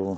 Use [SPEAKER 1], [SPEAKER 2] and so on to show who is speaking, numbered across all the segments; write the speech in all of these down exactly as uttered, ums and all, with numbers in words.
[SPEAKER 1] обов'язково.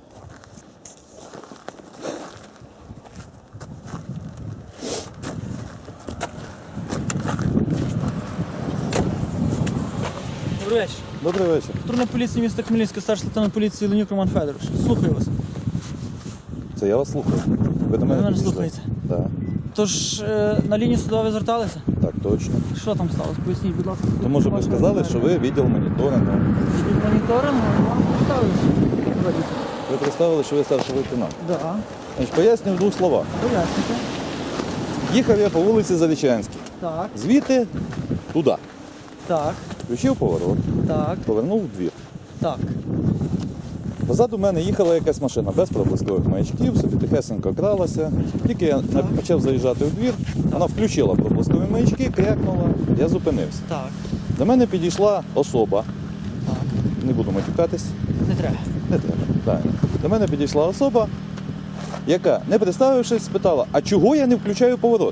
[SPEAKER 2] Добрий вечір.
[SPEAKER 1] Добрий вечір.
[SPEAKER 2] Патрульна поліція міста Хмельницька, старший лейтенант поліції Ленюк Роман Федорович. Слухаю вас.
[SPEAKER 1] Це я вас слухаю. Ви до мене
[SPEAKER 2] мене
[SPEAKER 1] підійшли?
[SPEAKER 2] слухаєте?
[SPEAKER 1] Так,
[SPEAKER 2] Тож е, на лінію судової зверталися?
[SPEAKER 1] так, точно.
[SPEAKER 2] Що там сталося? Поясніть, будь ласка.
[SPEAKER 1] То може ви сказали, що ви відділ моніторингу.
[SPEAKER 2] Від моніторингу вам поставилися.
[SPEAKER 1] Ви представили, що ви старший лейтенант.
[SPEAKER 2] Так.
[SPEAKER 1] Значить, поясню в двох словах.
[SPEAKER 2] Пояснюйте.
[SPEAKER 1] Їхав я по вулиці Залічанській.
[SPEAKER 2] Так,
[SPEAKER 1] Звідти туди.
[SPEAKER 2] так,
[SPEAKER 1] Включив поворот,
[SPEAKER 2] так,
[SPEAKER 1] повернув в двір.
[SPEAKER 2] так.
[SPEAKER 1] Позаду мене їхала якась машина без проблискових маячків, собі тихесенько кралася. Тільки я
[SPEAKER 2] Так.
[SPEAKER 1] почав заїжджати у двір, вона включила проблискові маячки, крякнула, я зупинився.
[SPEAKER 2] Так,
[SPEAKER 1] До мене підійшла особа,
[SPEAKER 2] так.
[SPEAKER 1] не буду матюкатись,
[SPEAKER 2] Не треба.
[SPEAKER 1] не треба. правильно. До мене підійшла особа, яка, не представившись, спитала, а чого я не включаю поворот?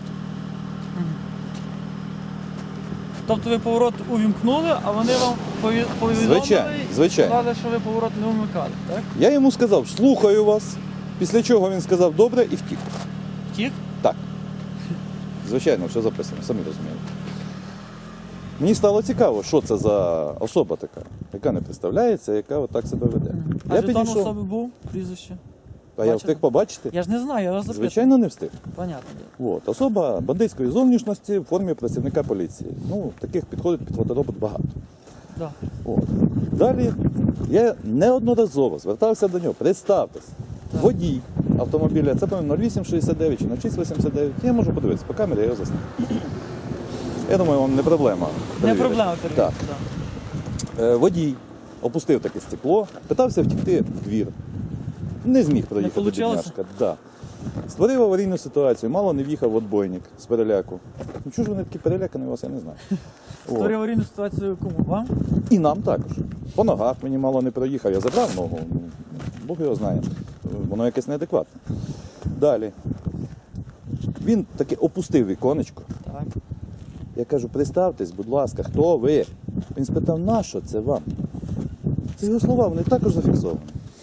[SPEAKER 2] Тобто ви поворот увімкнули, а вони вам пові- повідомили
[SPEAKER 1] Звичайно,
[SPEAKER 2] і
[SPEAKER 1] звичайно.
[SPEAKER 2] сказали, що ви поворот не вмикали, так?
[SPEAKER 1] Я йому сказав, слухаю вас, після чого він сказав добре і втік.
[SPEAKER 2] Втік?
[SPEAKER 1] Так. Звичайно, все записано, самі розумієте. Мені стало цікаво, що це за особа така, яка не представляється, яка отак себе веде.
[SPEAKER 2] А
[SPEAKER 1] Я
[SPEAKER 2] жетон
[SPEAKER 1] підійшов,
[SPEAKER 2] особи був, прізвище?
[SPEAKER 1] а я
[SPEAKER 2] бачили?
[SPEAKER 1] встиг побачити?
[SPEAKER 2] Я ж не знаю, я вас запитую.
[SPEAKER 1] Звичайно, не встиг.
[SPEAKER 2] Понятно.
[SPEAKER 1] От. Особа бандитської зовнішності в формі працівника поліції. Ну, таких підходить під фоторобот багато.
[SPEAKER 2] Да.
[SPEAKER 1] От. Далі я неодноразово звертався до нього, представтесь,
[SPEAKER 2] Так.
[SPEAKER 1] водій автомобіля, це по-моєму нуль вісім шістдесят дев'ять чи нуль шість вісімдесят дев'ять, я можу подивитися, по камері я його засняв. Я думаю, вам не проблема.
[SPEAKER 2] Не
[SPEAKER 1] перевірити.
[SPEAKER 2] проблема перевірити.
[SPEAKER 1] Так.
[SPEAKER 2] Да.
[SPEAKER 1] Е, Водій опустив таке стекло, питався втікти в двір. Не зміг проїхати
[SPEAKER 2] Не получилося?
[SPEAKER 1] бідняшка. Да. Створив аварійну ситуацію, мало не в'їхав в отбойник з переляку. Ну чого ж вони такі перелякані у вас, я не знаю. От.
[SPEAKER 2] Створив аварійну ситуацію кому? Вам?
[SPEAKER 1] І нам також. По ногах мені мало не проїхав, я забрав ногу, ну, Бог його знає, воно якесь неадекватне. Далі. Він таки опустив віконечко.
[SPEAKER 2] Так.
[SPEAKER 1] Я кажу, представтесь, будь ласка, хто ви? Він спитав, нащо це вам? Це його слова, вони також зафіксовані.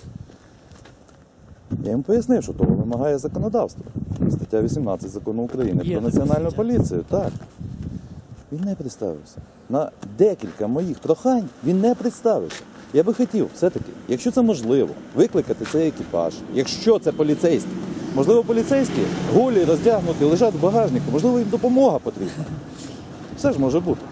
[SPEAKER 1] Я йому пояснив, що того вимагає законодавство. Стаття вісімнадцять закону України
[SPEAKER 2] Є
[SPEAKER 1] про
[SPEAKER 2] така
[SPEAKER 1] національну
[SPEAKER 2] стаття.
[SPEAKER 1] поліцію. Так. Він не представився. На декілька моїх прохань він не представився. Я би хотів все-таки, якщо це можливо, викликати цей екіпаж. Якщо це поліцейські. Можливо, поліцейські голі, роздягнуті, лежать в багажнику, можливо, їм допомога потрібна. Все ж може бути.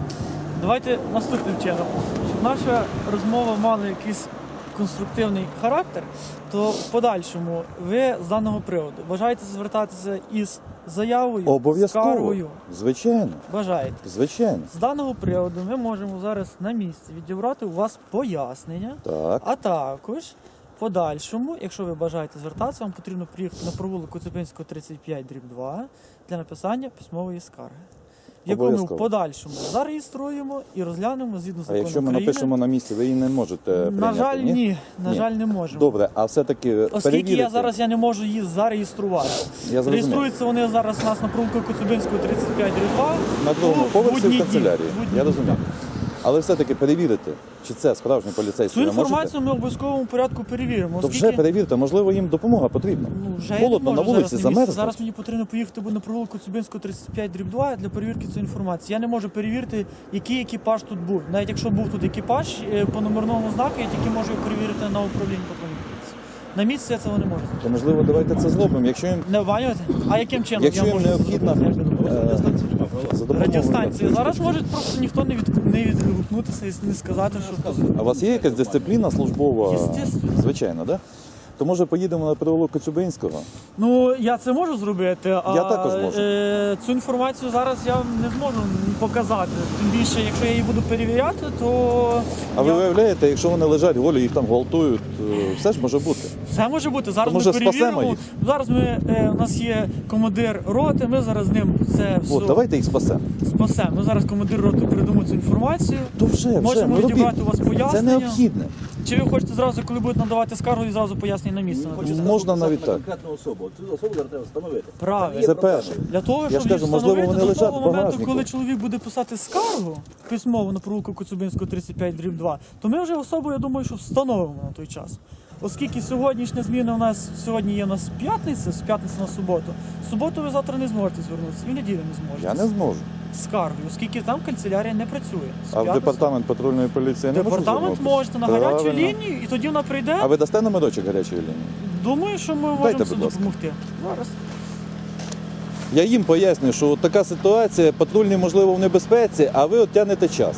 [SPEAKER 2] Давайте наступним чином. Щоб наша розмова мала якийсь конструктивний характер, то в подальшому ви з даного приводу бажаєте звертатися із заявою,
[SPEAKER 1] Обов'язково.
[SPEAKER 2] скаргою?
[SPEAKER 1] Звичайно.
[SPEAKER 2] Бажаєте.
[SPEAKER 1] Звичайно.
[SPEAKER 2] З даного приводу ми можемо зараз на місці відібрати у вас пояснення,
[SPEAKER 1] Так.
[SPEAKER 2] а також в подальшому, якщо ви бажаєте звертатися, вам потрібно приїхати на провулок Коцюбинського тридцять п'ять дріб два для написання письмової скарги, яку ми в
[SPEAKER 1] Обов'язково.
[SPEAKER 2] подальшому зареєструємо і розглянемо згідно
[SPEAKER 1] А
[SPEAKER 2] закону
[SPEAKER 1] якщо ми
[SPEAKER 2] України.
[SPEAKER 1] напишемо на місці, ви її не можете прийняти?
[SPEAKER 2] На жаль, ні. На
[SPEAKER 1] Ні.
[SPEAKER 2] жаль, не можемо.
[SPEAKER 1] Добре, а все-таки
[SPEAKER 2] Оскільки
[SPEAKER 1] перевірити.
[SPEAKER 2] я зараз я не можу її зареєструвати.
[SPEAKER 1] Я зрозумів.
[SPEAKER 2] Реєструються вони зараз у нас на провулку Коцюбинського тридцять п'ять дріб два.
[SPEAKER 1] На другому
[SPEAKER 2] у
[SPEAKER 1] поверсі
[SPEAKER 2] будні
[SPEAKER 1] в канцелярії.
[SPEAKER 2] дні. Будні
[SPEAKER 1] Я
[SPEAKER 2] дні,
[SPEAKER 1] розумію.
[SPEAKER 2] так.
[SPEAKER 1] Але все-таки перевірити, чи це справжній поліцейський.
[SPEAKER 2] Цю
[SPEAKER 1] ви можете?
[SPEAKER 2] інформацію ми в обов'язковому порядку перевіримо.
[SPEAKER 1] То
[SPEAKER 2] Оскільки...
[SPEAKER 1] вже перевірте, можливо, їм допомога потрібна.
[SPEAKER 2] Ну, вже я
[SPEAKER 1] Холодно
[SPEAKER 2] не
[SPEAKER 1] на
[SPEAKER 2] можу
[SPEAKER 1] вулиці,
[SPEAKER 2] зараз, на місці.
[SPEAKER 1] замерзнуть.
[SPEAKER 2] Зараз мені потрібно поїхати на провулку Коцюбинського тридцять п'ять дріб два для перевірки цієї інформації. Я не можу перевірити, який екіпаж тут був. Навіть якщо був тут екіпаж е, по номерному знаку, я тільки можу його перевірити на управлінні патрульної поліції. На місці я цього не можу.
[SPEAKER 1] То можливо, давайте це зробимо. Якщо їм
[SPEAKER 2] Не обманювати? А яким чином
[SPEAKER 1] Якщо
[SPEAKER 2] я
[SPEAKER 1] їм
[SPEAKER 2] можу це
[SPEAKER 1] необхідно,
[SPEAKER 2] зробити? Як ви думаєте?
[SPEAKER 1] е, за допомогою
[SPEAKER 2] Радіостанції. Зараз
[SPEAKER 1] електричних-
[SPEAKER 2] може просто ніхто не, від... не відгукнутися і не сказати, що...
[SPEAKER 1] А у вас є якась дисципліна службова?
[SPEAKER 2] Естественно.
[SPEAKER 1] Звичайно, так? Да? То може поїдемо на провулок Коцюбинського?
[SPEAKER 2] Ну, я це можу зробити, а
[SPEAKER 1] Я також можу.
[SPEAKER 2] Е, цю інформацію зараз я не зможу показати. Тим більше, якщо я її буду перевіряти, то
[SPEAKER 1] А ви
[SPEAKER 2] я...
[SPEAKER 1] виявляєте, якщо вони лежать голі, їх там гвалтують, е, все ж може бути.
[SPEAKER 2] все може бути. Зараз
[SPEAKER 1] То, може,
[SPEAKER 2] ми перевіримо.
[SPEAKER 1] спасемо їх?
[SPEAKER 2] Зараз ми, е, у нас є командир роти, ми зараз з ним це все
[SPEAKER 1] От, давайте їх спасемо.
[SPEAKER 2] спасемо. Ми зараз командир роти передамо цю інформацію.
[SPEAKER 1] То вже, вже,
[SPEAKER 2] Можемо
[SPEAKER 1] ну,
[SPEAKER 2] відібрати
[SPEAKER 1] робіть.
[SPEAKER 2] у вас пояснення.
[SPEAKER 1] Це необхідне.
[SPEAKER 2] Чи ви хочете зразу, коли будете надавати скаргу, і зразу пояснення на місці?
[SPEAKER 1] Хочеться Можна навіть так.
[SPEAKER 3] конкретну особу. Цю особу зараз треба встановити.
[SPEAKER 2] Правильно.
[SPEAKER 1] Це перше.
[SPEAKER 2] Для того,
[SPEAKER 1] Я
[SPEAKER 2] щоб
[SPEAKER 1] ж кажу,
[SPEAKER 2] їх
[SPEAKER 1] можливо,
[SPEAKER 2] встановити
[SPEAKER 1] вони
[SPEAKER 2] до
[SPEAKER 1] лежать
[SPEAKER 2] того
[SPEAKER 1] в
[SPEAKER 2] моменту,
[SPEAKER 1] багажнику.
[SPEAKER 2] коли чоловік буде писати скаргу письмово на провулку Коцюбинського тридцять п'ять дріб два, то ми вже особу, я думаю, що встановимо на той час. оскільки сьогоднішня зміна у нас сьогодні є у нас п'ятниця, з п'ятниці на суботу. В суботу ви завтра не зможете звернутися, і в неділю не зможете.
[SPEAKER 1] Я не зможу.
[SPEAKER 2] З скаргою, оскільки там канцелярія не працює. З
[SPEAKER 1] А в
[SPEAKER 2] п'ятниці-
[SPEAKER 1] департамент патрульної поліції не можу
[SPEAKER 2] Департамент
[SPEAKER 1] звернутися?
[SPEAKER 2] можете на гарячу
[SPEAKER 1] Правильно.
[SPEAKER 2] лінію, і тоді вона прийде.
[SPEAKER 1] А ви дасте номерочок гарячої лінії?
[SPEAKER 2] Думаю, що ми
[SPEAKER 1] Дайте,
[SPEAKER 2] можемо
[SPEAKER 1] будь
[SPEAKER 2] собі
[SPEAKER 1] ласка.
[SPEAKER 2] допомогти. Зараз.
[SPEAKER 1] Я їм поясню, що от така ситуація, патрульні, можливо, в небезпеці, а ви от тягнете час.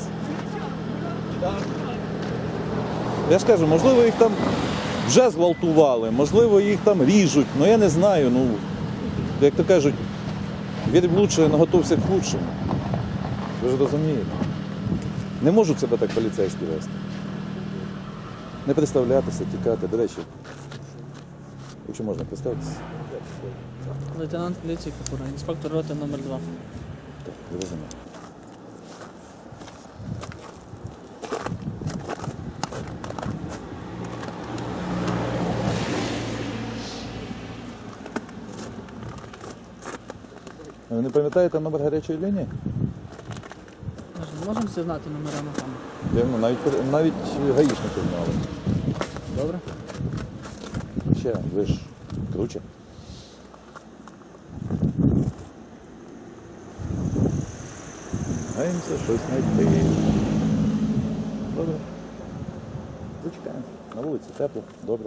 [SPEAKER 1] Я ж кажу, можливо, їх там вже зґвалтували, можливо, їх там ріжуть, ну я не знаю, ну, як то кажуть, вір в лучше, но готовся к худшому. Ви ж розумієте. Не можуть себе так поліцейські вести. Не представлятися, тікати. До речі, якщо можна, представтеся.
[SPEAKER 4] Лейтенант поліції Капура, інспектор роти номер два.
[SPEAKER 1] Так, зрозуміло. А ви не пам'ятаєте номер гарячої лінії?
[SPEAKER 4] Ми ж не можемо всі знати номера на камеру.
[SPEAKER 1] Дивно, навіть, навіть гаїшники знали.
[SPEAKER 4] Добре?
[SPEAKER 1] Ще, ви ж круче. Гаємося щось знайти. Добре. Зачекаємо. На вулиці тепло, добре.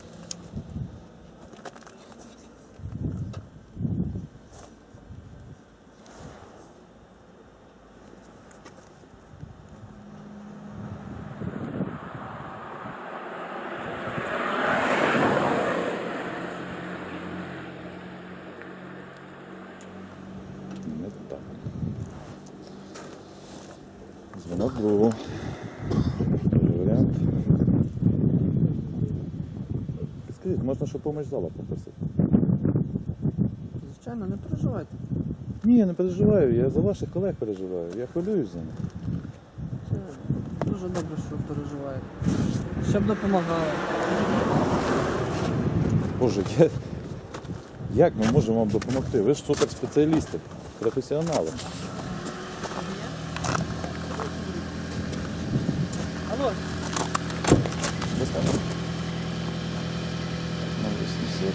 [SPEAKER 1] Не так. Дзвонок був. Другий варіант. Скажіть, можна, щоб помощь зала попросити?
[SPEAKER 4] Звичайно, не переживайте.
[SPEAKER 1] Ні, я не переживаю, я за ваших колег переживаю. Я хвилююсь за них.
[SPEAKER 4] Це дуже добре, що ви переживаєте. Щоб допомагали.
[SPEAKER 1] Боже, я... як ми можемо вам допомогти? Ви ж суперспеціалісти, професіонали.
[SPEAKER 4] Алло,
[SPEAKER 1] Достанемо. ноль вісімсот.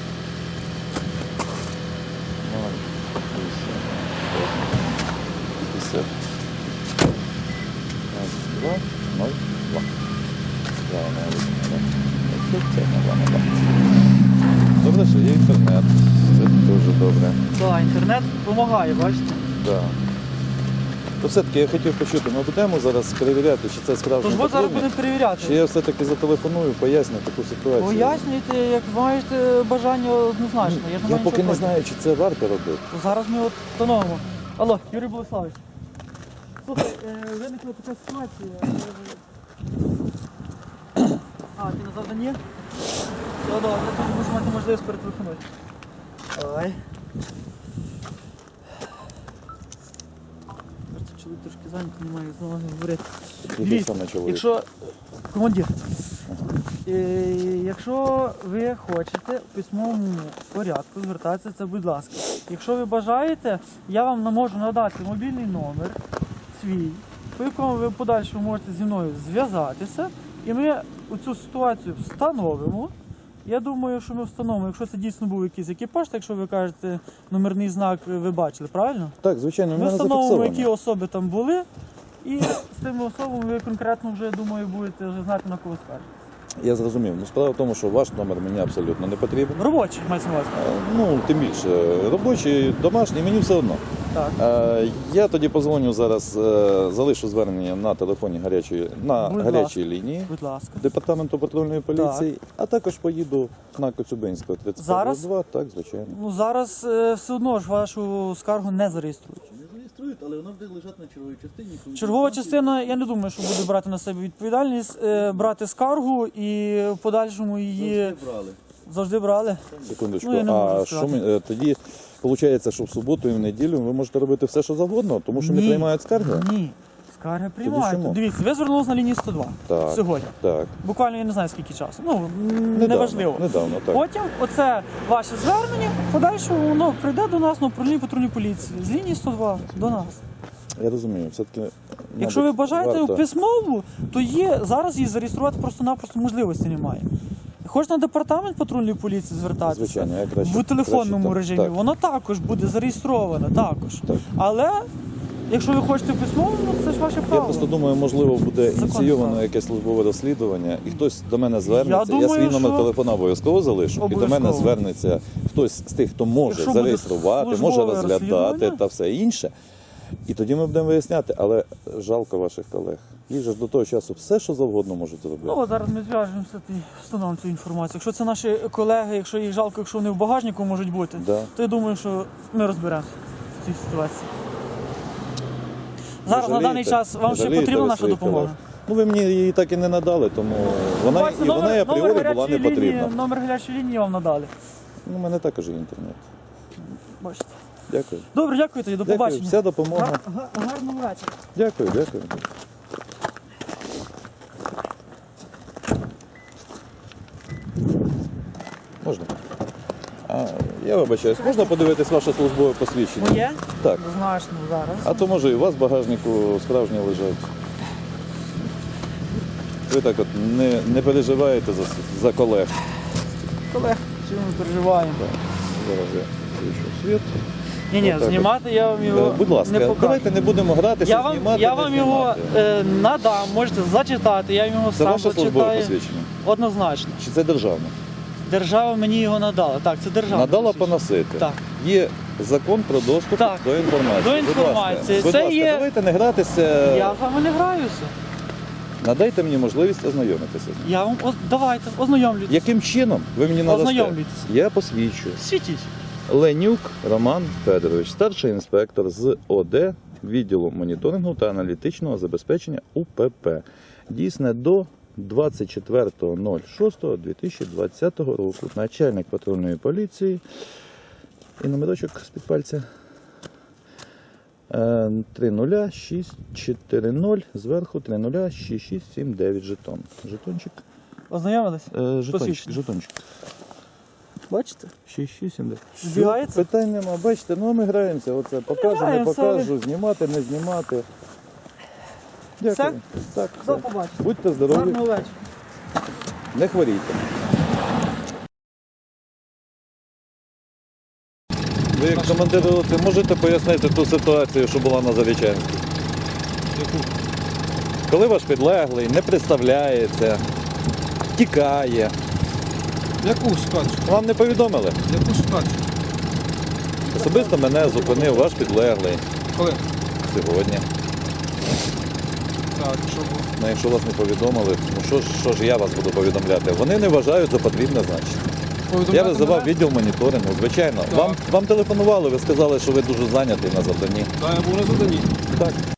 [SPEAKER 1] ноль вісімсот. п'ятдесят. два, ноль, два. Два, ноль, два. Тут це на два, на два. Добре, що є інтернет. Це дуже добре.
[SPEAKER 2] Так, інтернет допомагає, бачите?
[SPEAKER 1] Да. То все-таки я хотів почути, ми будемо зараз перевіряти, чи це справжній
[SPEAKER 2] Тож от зараз
[SPEAKER 1] патрульний,
[SPEAKER 2] будемо перевіряти.
[SPEAKER 1] чи я все-таки зателефоную, поясню таку ситуацію.
[SPEAKER 2] Пояснюйте, як маєте бажання однозначно. Я, ж не
[SPEAKER 1] Я
[SPEAKER 2] маю
[SPEAKER 1] поки
[SPEAKER 2] нічого
[SPEAKER 1] не
[SPEAKER 2] проти.
[SPEAKER 1] знаю, чи це варто робити.
[SPEAKER 2] То зараз ми от встановимо. Алло, Юрій Болеславович. Слухай, е, виникла така ситуація. е, А, ти на завданні? Все, добре, тоді будеш мати можливість перетелефонувати. Давай. Просто чоловік трошки зайнятий, не маю знову говорити.
[SPEAKER 1] Який
[SPEAKER 2] Дивіться,
[SPEAKER 1] саме чоловік?
[SPEAKER 2] Якщо командир, е, якщо ви хочете в письмовому порядку звертатися, це будь ласка. Якщо ви бажаєте, я вам не можу надати мобільний номер свій, по якому ви в подальшому можете зі мною зв'язатися, і ми цю ситуацію встановимо. Я думаю, що ми встановимо, якщо це дійсно був якийсь екіпаж, так якщо ви кажете, номерний знак ви бачили, правильно?
[SPEAKER 1] Так, звичайно, в
[SPEAKER 2] Ми
[SPEAKER 1] мене
[SPEAKER 2] встановимо,
[SPEAKER 1] зафіксовано.
[SPEAKER 2] які особи там були, і з тими особами ви конкретно вже, думаю, будете вже знати, на кого скаржитися.
[SPEAKER 1] Я зрозумів. Ну, справа в тому, що ваш номер мені абсолютно не потрібен.
[SPEAKER 2] Робочий, мається на увазі.
[SPEAKER 1] Е, Ну, тим більше, робочий, домашній, мені все одно.
[SPEAKER 2] Так.
[SPEAKER 1] Е, Я тоді позвоню зараз, е, залишу звернення на телефоні гарячої, на
[SPEAKER 2] Будь
[SPEAKER 1] гарячій
[SPEAKER 2] ласка.
[SPEAKER 1] лінії
[SPEAKER 2] Будь ласка.
[SPEAKER 1] департаменту патрульної поліції, а також поїду на Коцюбинського тридцять
[SPEAKER 2] Зараз?
[SPEAKER 1] два. Так, звичайно.
[SPEAKER 2] Ну зараз е, все одно ж вашу скаргу не зареєструють.
[SPEAKER 3] Не зареєструють, але вона буде лежати на черговій частині. коли
[SPEAKER 2] Чергова
[SPEAKER 3] станції-
[SPEAKER 2] частина, я не думаю, що буде брати на себе відповідальність, е, брати скаргу і в подальшому її
[SPEAKER 3] Завжди брали.
[SPEAKER 2] завжди брали.
[SPEAKER 1] Секундочку.
[SPEAKER 2] Ну, я не можу
[SPEAKER 1] А що
[SPEAKER 2] сказати.
[SPEAKER 1] ми, е, тоді виходить, що в суботу і в неділю ви можете робити все, що завгодно, тому що не
[SPEAKER 2] Ні.
[SPEAKER 1] приймають скарги?
[SPEAKER 2] Ні. Скарги приймають.
[SPEAKER 1] чому?
[SPEAKER 2] Дивіться, ви звернулися на лінію сто два
[SPEAKER 1] Так.
[SPEAKER 2] сьогодні.
[SPEAKER 1] Так.
[SPEAKER 2] Буквально я не знаю скільки часу. Ну, м,
[SPEAKER 1] Недавно,
[SPEAKER 2] неважливо.
[SPEAKER 1] Недавно, так.
[SPEAKER 2] Потім оце ваше звернення, в подальшому воно прийде до нас на управління патрульної поліції з лінії сто два до нас.
[SPEAKER 1] Я розумію, все-таки.
[SPEAKER 2] Якщо ви
[SPEAKER 1] мабуть,
[SPEAKER 2] бажаєте
[SPEAKER 1] варто-
[SPEAKER 2] в письмову, то є зараз її зареєструвати просто-напросто можливості немає. Хоч на департамент патрульної поліції звертатися,
[SPEAKER 1] Звичайно, я краще-
[SPEAKER 2] в телефонному
[SPEAKER 1] краще там,
[SPEAKER 2] режимі,
[SPEAKER 1] так.
[SPEAKER 2] воно також буде зареєстровано, також.
[SPEAKER 1] Так.
[SPEAKER 2] Але якщо ви хочете письмово, ну це ж ваше право.
[SPEAKER 1] Я просто думаю, можливо, буде
[SPEAKER 2] Закон
[SPEAKER 1] ініційовано
[SPEAKER 2] справи.
[SPEAKER 1] якесь службове розслідування, і хтось до мене звернеться. Я,
[SPEAKER 2] думаю,
[SPEAKER 1] свій номер
[SPEAKER 2] що-
[SPEAKER 1] телефона обов'язково залишу. І до мене
[SPEAKER 2] Обов'язково.
[SPEAKER 1] звернеться хтось з тих, хто може
[SPEAKER 2] Якщо буде
[SPEAKER 1] зареєструвати, може
[SPEAKER 2] службове
[SPEAKER 1] розглядати
[SPEAKER 2] розслідування.
[SPEAKER 1] та все інше. І тоді ми будемо виясняти, але жалко ваших колег. Їх же ж до того часу все, що завгодно можуть зробити.
[SPEAKER 2] Ну, от зараз ми зв'яжемося і встановимо цю інформацію. Якщо це наші колеги, якщо їх жалко, якщо вони в багажнику можуть бути,
[SPEAKER 1] Да.
[SPEAKER 2] то я думаю, що ми розберемося в цій ситуації. Зараз на
[SPEAKER 1] Жалієте?
[SPEAKER 2] даний час вам ще
[SPEAKER 1] Жалієте
[SPEAKER 2] потрібна
[SPEAKER 1] ви
[SPEAKER 2] наша
[SPEAKER 1] своїх
[SPEAKER 2] допомога?
[SPEAKER 1] колег? Ну ви мені її так і не надали, тому вона,
[SPEAKER 2] Бачите,
[SPEAKER 1] і вона і апріорі була не
[SPEAKER 2] гарячої
[SPEAKER 1] потрібна.
[SPEAKER 2] лінії, номер гарячої лінії вам надали.
[SPEAKER 1] Ну, у мене також є інтернет.
[SPEAKER 2] Бачите.
[SPEAKER 1] Дякую.
[SPEAKER 2] Добре, дякую тоді, до
[SPEAKER 1] Дякую.
[SPEAKER 2] побачення.
[SPEAKER 1] Вся допомога.
[SPEAKER 2] Гар- га- Гарного вечора.
[SPEAKER 1] Дякую, дякую. Можна? А, я вибачаюсь, можна подивитись ваше службове посвідчення?
[SPEAKER 2] Моє?
[SPEAKER 1] Так.
[SPEAKER 2] Знаєш, ну зараз.
[SPEAKER 1] А то може і у вас в багажнику справжні лежать. Ви так от не, не переживаєте за, за колег.
[SPEAKER 2] Колег, чому ми переживаємо?
[SPEAKER 1] Зараз я включу світ.
[SPEAKER 2] Ні, ні,
[SPEAKER 1] Отак от.
[SPEAKER 2] знімати я вам його
[SPEAKER 1] Е, Будь ласка,
[SPEAKER 2] не покажу.
[SPEAKER 1] давайте не будемо гратися,
[SPEAKER 2] Я вам,
[SPEAKER 1] знімати,
[SPEAKER 2] я
[SPEAKER 1] не
[SPEAKER 2] вам його
[SPEAKER 1] знімати.
[SPEAKER 2] е, надам, можете зачитати, я його
[SPEAKER 1] Це
[SPEAKER 2] сам
[SPEAKER 1] ваше службове
[SPEAKER 2] зачитаю.
[SPEAKER 1] посвідчення?
[SPEAKER 2] Однозначно.
[SPEAKER 1] Чи це державне?
[SPEAKER 2] Держава мені його надала. Так, це держава.
[SPEAKER 1] Надала поносити.
[SPEAKER 2] Так.
[SPEAKER 1] Є закон про доступ
[SPEAKER 2] Так.
[SPEAKER 1] до інформації.
[SPEAKER 2] До
[SPEAKER 1] Будь
[SPEAKER 2] інформації.
[SPEAKER 1] ласка, будь
[SPEAKER 2] Це
[SPEAKER 1] ласка,
[SPEAKER 2] є-
[SPEAKER 1] давайте не гратися.
[SPEAKER 2] Я з вами не граюся.
[SPEAKER 1] Надайте мені можливість ознайомитися.
[SPEAKER 2] Я вам о, давайте, ознайомлюйтесь.
[SPEAKER 1] Яким чином ви мені надасте?
[SPEAKER 2] Ознайомлюйтесь.
[SPEAKER 1] Я посвідчую.
[SPEAKER 2] Світіть.
[SPEAKER 1] Ленюк Роман Федорович, старший інспектор з О Д відділу моніторингу та аналітичного забезпечення У П П. Дійсне до двадцять четвертого шостого дві тисячі двадцятого року. Начальник патрульної поліції. І номерочок з-під пальця. Е, три нуль шість чотири нуль, зверху три нуль шість шість сім дев'ять жетон. Жетончик.
[SPEAKER 2] Ознайомились?
[SPEAKER 1] Е, жетончик,
[SPEAKER 2] Посвідчення.
[SPEAKER 1] жетончик.
[SPEAKER 2] Бачите?
[SPEAKER 1] шість шість сім дев'ять.
[SPEAKER 2] Збігається?
[SPEAKER 1] Питань нема. Бачите, ну ми граємося. Оце покажу, не
[SPEAKER 2] Граємося,
[SPEAKER 1] покажу, знімати, не знімати. Дякую. Так,
[SPEAKER 2] До
[SPEAKER 1] все.
[SPEAKER 2] побачення.
[SPEAKER 1] Будьте здорові,
[SPEAKER 2] Гарного вечора.
[SPEAKER 1] не хворійте. Ви як командир роти можете пояснити ту ситуацію, що була на Зарічанській? Коли ваш підлеглий не представляється, втікає.
[SPEAKER 5] Яку ситуацію?
[SPEAKER 1] Вам не повідомили?
[SPEAKER 5] Яку ситуацію?
[SPEAKER 1] Особисто мене зупинив ваш підлеглий
[SPEAKER 5] Коли?
[SPEAKER 1] сьогодні.
[SPEAKER 5] Так, що було?
[SPEAKER 1] Ну, якщо вас не повідомили, ну що ж, що ж я вас буду повідомляти? Вони не вважають за потрібне, значить. Я
[SPEAKER 5] Повідомляти
[SPEAKER 1] визивав
[SPEAKER 5] мене?
[SPEAKER 1] відділ моніторингу, звичайно.
[SPEAKER 5] Так.
[SPEAKER 1] Вам, вам телефонували, ви сказали, що ви дуже зайнятий на завданні.
[SPEAKER 5] Так, я був на заданні.
[SPEAKER 1] Так.